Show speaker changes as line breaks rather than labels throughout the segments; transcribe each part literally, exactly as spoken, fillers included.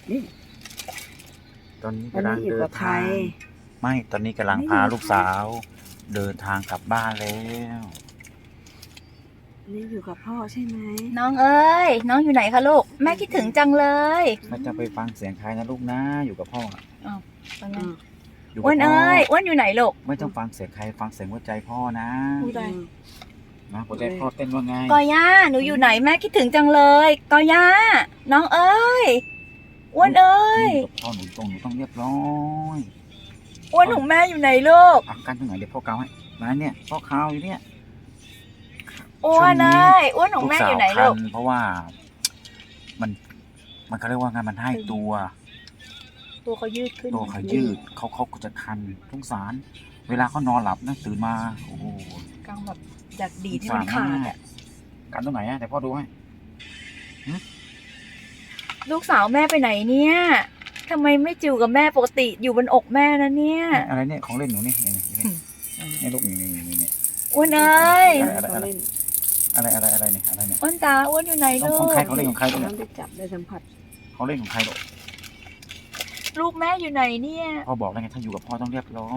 นี่
ตอนนี้
วัน
กำลัง
นี้อยู่
เดิ
กับ
น
ใคร
ทางไม่ตอนนี้กำลัง
ไม่
พา
อยู่
ลูกสาว เดินทางกลับบ้านแล้ว
วันนี้อยู่กับพ่อใช่ไหม
น้องเอ้ยน้องอยู่ไหนคะลูกแม่คิดถึงจังเลย
ไม่จะไปฟังเสียงใครนะลูกนะอยู่กับพ่อ
เป็นไง
อืม
อยู่กั
อ้วน
พ่อ
เอ้ยอ้วนอยู่ไหนลูก
ไม่ต้องฟังเสียงใครฟังเสียงหัวใจพ่อนะ
พูดได้
อืม
นะหัวใจพ่อเต้นว่าไง
กอย่าหนูอยู่ไหนแม่คิดถึงจังเลยกอย่าน้องเอ้ยอ้วนเอ้ย
อยู่กับพ่อหนูตรงหนูต้องเรียบร้อย
อ้วนของแม่อยู่ไหนลูก
อาการตรงไหนเดี๋ยวพ่อเกาให้มาเนี่ยพ่อเกาอยู่เนี่ย
อ้วนเอ้ยอ้วนของ
ลูก
แม่
สา
อ
ว
ยู่ไหน
คั
ลูก
นเพราะว่ามันมันเขาเรียกว่าไงมันให้ตัว
ตัวเขายืดขึ้น
ตัวเขายืดเขาเขาก็จะคันสงสาร เวลาเขานอนหลับนะตื่นมาโอ้โห
กลางแบบอยากดีดให้มันขาดอ่ะ
การตรงไหนอะแต่พ่อดูให้
ลูกสาวแม่ไปไหนเนี่ยทำไมไม่จิ๋วกับแม่ปกติอยู่บนอกแม่นะเนี่ย
อะไรเนี่ยของเล่นหนูนี่นี่นี่นี่ลูกนี่นี่นี่นี่
อ้วนเอ้ย
อะไร
เขาเล่น
อะไรอะไรอะไรเนี่ยอะไรเนี่ย
อ้วนตาอ้วนอยู่ไหน
ของ
ลู
ของ
ก
ใครของเล่นของใครลูก
น้
เนี่
อย งได้จับได้สัมผัส
ของเล่นของใครลูก
ลูกแม่อยู่ไหนเนี่ย
พ่อบอกแล้วไงถ้าอยู่กับพ่อต้องเรียบร้อย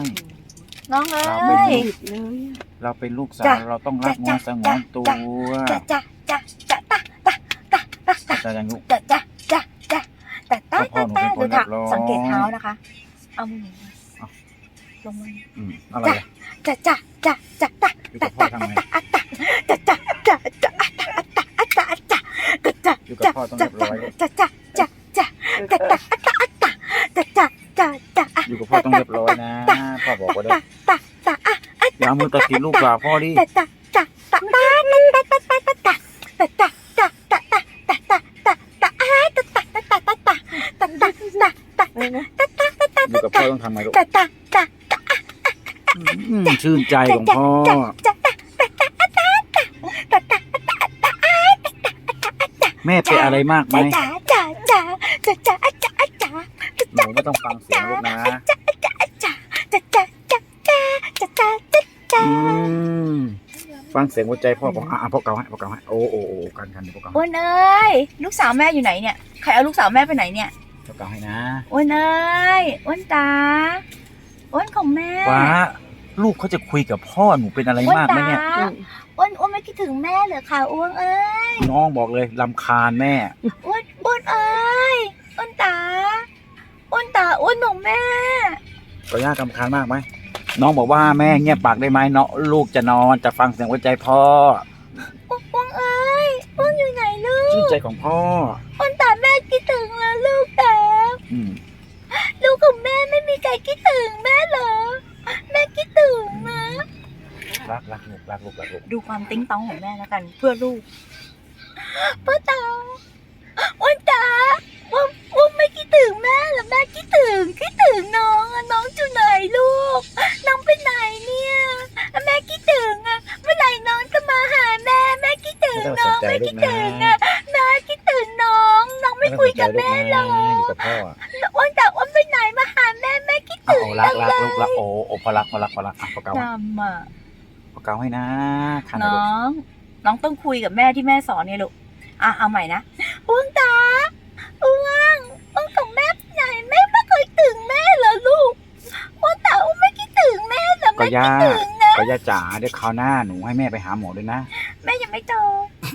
น้องเอ้
เราเป็น
ย
หยุดเลย
เราเป็นลูกสา
จ้ะ
วเราต้องรักงอนสงวนตัว
จ้ะจ้ะจ้ะจ้ะตะตะตะตะตะ
จะยังลูก
จ้ะจ้ะจ้ะจ้ะแต่ตะ
พ่อ
ตะ
หนูเป็นคน
ตะดูค่ะ
เรียบร้อย
สังเกตเท้านะคะ เอามือหนีมาลงมา
อืมอะไรอะ
จ้ะจ้ะจ้ะจ้ะตะ
อยู่กับพ่อทำไง
จ้ะจ้ะจ้ะจ้ะอะตะอะตะอะตะอะตะกะจ้ะ
อยู่กับพ่อต้องเรียบร้อยลูก
จ้ะจ้ะจ้ะจ้ะจ้ะตะอะตะอะตะจ้ะจ้ะจ้ะจ้ะอะ
อยู่กับพ่อต้องเรียบร้อยนะพ่อบอกไว้เลย
ตะตะตะอะ
อย่าเอามือตัดสินลูกสาวพ่อดิ
ตะตะตะตะตะตะตะตะตะตะตะตะตะตะตะตะตะตะตะอะตะตะตะตะตะตะตะตะตะตะ
ได้ไหม
อยู่กับพ่อต้องทำไงลูก
ตะตะตะตะ
อืมชื่นใจของพ่อ
จ้ะตะตะตะตะตะตะตะตะตะ
แม่เป็นอะไรมากไหม
จ้ะจ้ะจ้ะจ้ะจ้ะจ้ะจ้ะ
หนูไม่ต้องฟังเสียงลูกนะ
จ้ะจ้ะจ้ะจ้ะจ้ะจ้ะจ้ะจ้ะจ้ะจ้ะ
อืมฟังเสียงหัวใจพ่อบอกอ่ะอ่ะพ่อเกาให้พ่อเกาให้โอ้โอ้โอ้กันกันเดี๋ยวพ่อเกา
อ้
ให้
วนเอ้ยลูกสาวแม่อยู่ไหนเนี่ยใครเอาลูกสาวแม่ไปไหนเนี่ย
พ่อเกาให้นะ
อ้วนเอ้ยอ้วนตาอ้วนของแม่
ฟ้าลูกเขาจะคุยกับพ่อหนูเป็นอะไร
อ้วน
มากไหม
ตา
เนี่ย
อ้วนอ้วนไม่คิดถึงแม่เหรอคะอ้วนเอ้ย
น้องบอกเลยลำคาญแม่
อ้วนอ้วนเอ้ยอ้วนตาอ้วนตาอ้วนของแม่
ก็ยากลำคาญมากไหมน้องบอกว่าแม่เงียบปากได้ไหมเนาะลูกจะนอนจะฟังเสียงหัวใจพ่อ
อ้วนอ้วนเอ้ยอ้วนอยู่ไหนลู
ชื่น
ก
ใจของพ่อ
อ้วนตาแม่คิดถึงแล้วลูกตา
อืม
ลูกของแม่ไม่มีใครคิดถึงแม่เหรอแม่คิดถึงนะ
รักรักลูกรักลูกรักลูก
ดูความติ้งต้องของแม่แล้วกัน เพื่อลูกพ่อตาอ้วนตาอ้วนอ้วนไม่คิดถึงแม่เหรอแม่คิดถึงคิดถึงน้องอะน้องอยู่ไหนลูกน้องไปไหนเนี่ยแม่คิดถึงอะเมื่อไหร่น้องจะมาหาแม่แม่คิดถึง
ไม่ต้องส
น้อน ง
ใจ
ไม่
ลู
คิ
ก
ด
นะ
ถึงอะแม่คิดถึงน้องน้องไม่คุยกับแม่หรอก
อยู่กับพ่อ
อ้วนตาอ้วนไปไหนมาหาแม่แม่คิด
โอ้
ถึง
รักรักลูกรักโอ้โอ้พอรักพอรักพอรักอ่ะพอเกาให้
จำอ่ะ
พอเกาให้นะคันให้
น้
ลูก
อง น้องต้องคุยกับแม่ที่แม่สอนเนี่ยลูก อ่ะเอาใหม่นะอ้วงตาอ้วงอ้วงของแม่ไปไหนแม่ไม่เคยถึงแม่เหรอลูกอ้วงตาอ้วงไม่คิดถึงแม่เหรอ
ก็
แม่
ย่า
คิดถึงนะ
ก็ย่าจ๋าเดี๋ยวคราวหน้าหนูให้แม่ไปหาหมอด้วยนะ
แม่ยังไม่โต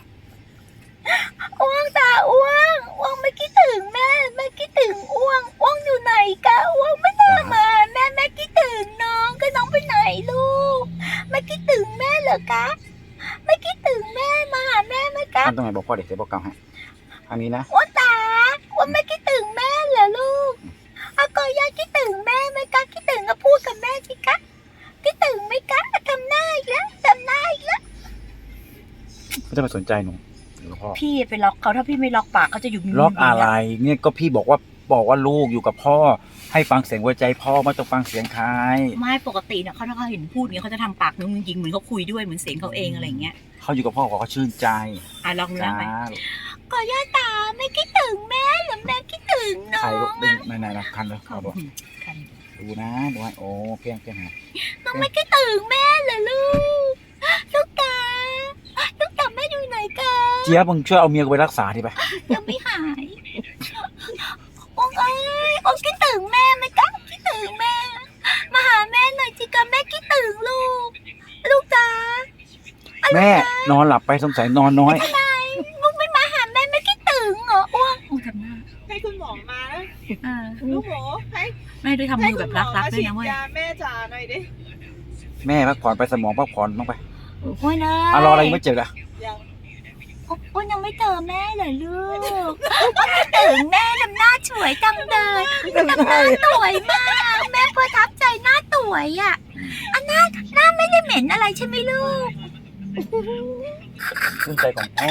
อ้วงตาอ้วงอ้วงไม่คิดถึงแม่แม่คิดถึงอ้วงอ้วงอยู่ไหนกะอ้วงไม่น่ามาแม่แม่คิดถึงน้องก็น้องไปไหนลูกแม่คิดถึงแม่เหรอคะไม่คิดถึงแม่มาหาแม่ไหมคะ
ทำตรงไหนบอกพ่อเด็กเดี๋ยวบอกเกาให้ทางนี้นะ
อ้วนตาอ้วนไม่คิดถึงแม่เหรอลูกอากอยาคิดถึงแม่ไหมคะคิดถึงก็พูดกับแม่สิคะคิดถึงไหมคะทำหน้าอีกแล้วทำหน้าอีกแล้ว
ไม่ต้องไปสนใจหนูอยู่กับพ่อ
พี่ไปล็อกเขาถ้าพี่ไม่ล็อกปากเขาจะอยู่
ล็อกอะไรเนี่ยก็พี่บอกว่าบอกว่าลูกอยู่กับพ่อ ให้ฟังเสียงหัวใจพ่อไม่ต้องฟังเสียงใคร
ไม่ปกติเนี่ยเขาถ้าเขาเห็นพูดเงี้ยเขาจะทำปากนึงจริงๆเหมือนเขาคุยด้วยเหมือนเสียงเขาเองอะไรเงี้ย
เขาอยู่กับพ่อเขาก็ชื่นใจ
อ่ะลองดู
จ้า
นะไหมกอยาตาไม่คิดถึงแม่หรือแม่คิดถึงน้
ใคร
อ
ลูก
ง
ดึงไหนๆนะคันเลย
เขา
เอา
บ
ดู
อกคัน
ดูนะดูให้โอ้เพียงเพียงหา
น้องไม่คิดถึงแม่เหรอลูกลูกตาลูกตาแม่อยู่ไหนกัน
เจี๊ยบมึงช่วยเอาเมียกูไปรักษาทีไป
ยังไม่หายอ้วงเอ้ยอ้วงคิดถึงแม่ไหมคะคิดถึงแม่มาหาแม่หน่อยสิคะแม่คิดถึงลูกลูกจ๋า
แม่นอนหลับไปสงสัยนอนน้อย
อะไรลูกไม่มาหาแม่ไม่คิดถึงเหรออ้วงอ้วงทำหน้า
ให้คุณหมอมานะ
อ่า
ลูกหมูให้
แม่ด้วยทำ
ให้
มือ
คุ
แบ
ณ
บ
หมอ
รัก
มา
ๆด้วย
ฉีด
นะเว้ย
ยาแม่จ๋าหน่อยดิ
แม่พักผ่อนไปสมองพักผ่อนบ้างไป
โอ้ยนะ
อ่ะรออะไรยังไม่เจ็บละ
ยัง
อ้วนยังไม่เจอแม่เลยลูกอ้วนคิดถึงแม่ทำหน้าสวยจังเลยทำหน้าสวยมาก แม่ประทับใจหน้าสวยอ่ะอันหน้าหน้าไม่ได้เหม็นอะไรใช่ไหมลูก
ชื่นใจของพ่อ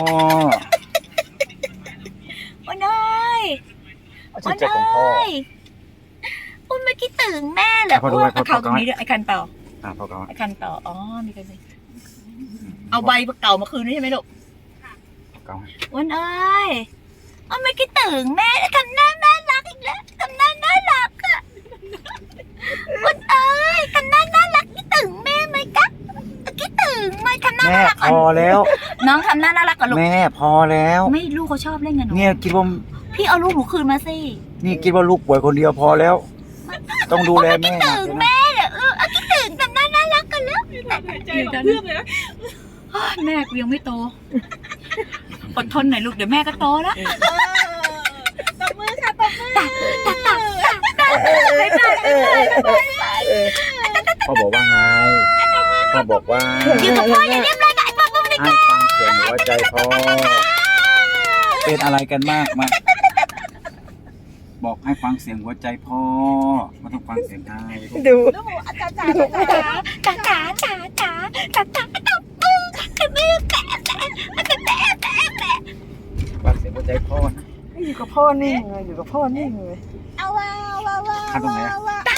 อ้วนเอ้ย
ชื่นใจของพ่อ
อ้วนไม่คิดถึงแม่เหรอ
พอดู
อ้วน
ไว้พอ
เอาเขา
พอ
ตรงนี้ด้วยไอ้คันต่อ
อ่ะพ่อเขา
ไอ้คันต่ออ๋อมีกันเลยเอาใบเก่ามาคืนด้วยใช่ไหมลูก
เขา
อ้วนเอ้ยอ้วนไม่คิดถึงแม่แล้วทำหน้าน่ารักอีกแล้วทำหน้าน่ารักอะอ้วนเอ้ยทำหน้าน่ารักคิดถึงแม่ไหมกะคิดถึงไหมทำหน้า
แม่
น่ารัก
พอแล้ว
น้องทำหน้าน่ารักกับลูก
แม่พอแล้ว
ไม่ลูกเขาชอบเล่นกันหนู
เนี่ยคิดว่า
พี่เอาลูกหนูคืนมาสิ
นี่คิดว่าลูกป่วยคนเดียวพอแล้ว ต้องดูแลแม่
คิด
หนัก
ถึง
เลยนะ
แม่เหรอเออเอาคิดถึงทำหน้าน่ารักกันแล้ว
หายใจแบบเพื่อนเลยนะ
แม่กูยังไม่โตอดทนหน่อยลูกเดี๋ยวแม่ก็โตแล้ว
เออตบมือค่ะตบมือ
ตักตักตักตักบ๊ายบายบ๊ายบาย
พ่อบอกว่าไงพ่อบอกว่า
อยู่กับพ่ออย่าเรียบร้อยกับไอ้พ่อปุ๊บเลย
ให้ฟังเสียงหัวใจพ่อเป็นอะไรกันมากมาบอกให้ฟังเสียงหัวใจพ่อไม่ต้องฟังเสียงใคร
ดู
ลูกหมูอาจารย์จ๋าจ๋าจ๋า
จ๋าจ๋าจ๋าจ๋าจ๋าจ๋าตบมือตบมือแปะแปะแปะแปะแปะแปะ
ฟังเสียงหัวใจพ่อนะ
อยู่กับพ่อนิ่งเลยอยู่กับพ่อนิ่งเลย
เอาว่าว่าว่า
ขั้นตรงไหนอะ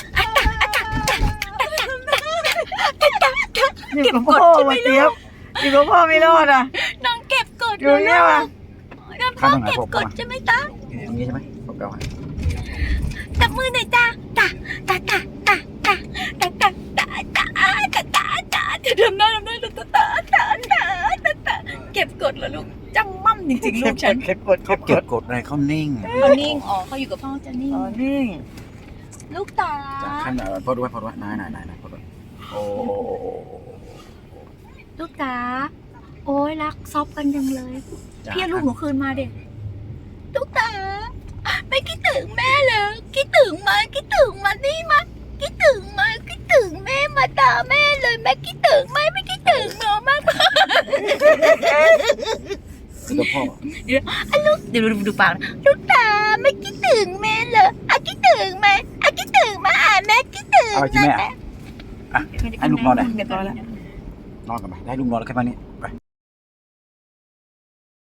อยู่กับพ่อมาเจี๊ยบอยู่กับพ่อไม่รอดอ่ะ
น้องเก็บกด
อยู่เนี่ยว่ะ
น้องพ่อเก็บกดใช่ไหมจ๊ะ
ตรงนี้ใช่ไหมผมเอาให้
ตบมือหน่อยจ้าตาตาตาตาตาตาตาตาตาตาตาตาจะทำหน้าทำหน้าตาตาตาตาตาตาเก็บกดเหรอลูกจังมั่มจริงๆลูกฉัน
เก็บกด
เขาเก็บกดอะไรเขานิ่ง
เขานิ่งอ๋อเขาอยู่กับพ่อจะนิ่ง
อ๋อนิ่ง
ลูกตา
จากขั้นไหนพ่อดูไว้พ่อดูไว้นายนายนายนายพ่อดูไว้โอ้
ลูกตาโอ้ยรักซอบกันจังเลยพี่เอาลูกหนูคืนมาเด็กลูกตาไม่คิดถึงแม่เลยคิดถึงไหมคิดถึงมานี่มาคิดถึงไหมคิดถึงแม่มาตาแม่เลยแม่คิดถึงไหมไม่คิดถึงหนูมาก
คือพ่อ
อ่ะลูกเดี๋ยวดูดูปากนะลูกตาไม่คิดถึงแม่เลยอ่ะคิดถึงไหมอ่ะคิดถึงมาอ่ะแม่คิดถึง
เอาจริงแม่อ่ะอ่ะให้ลูกนอนหน่อย
เดี๋ยวก่อนละ
นอนกันไปได้ลูกนอนแล้วแค่นี้ไป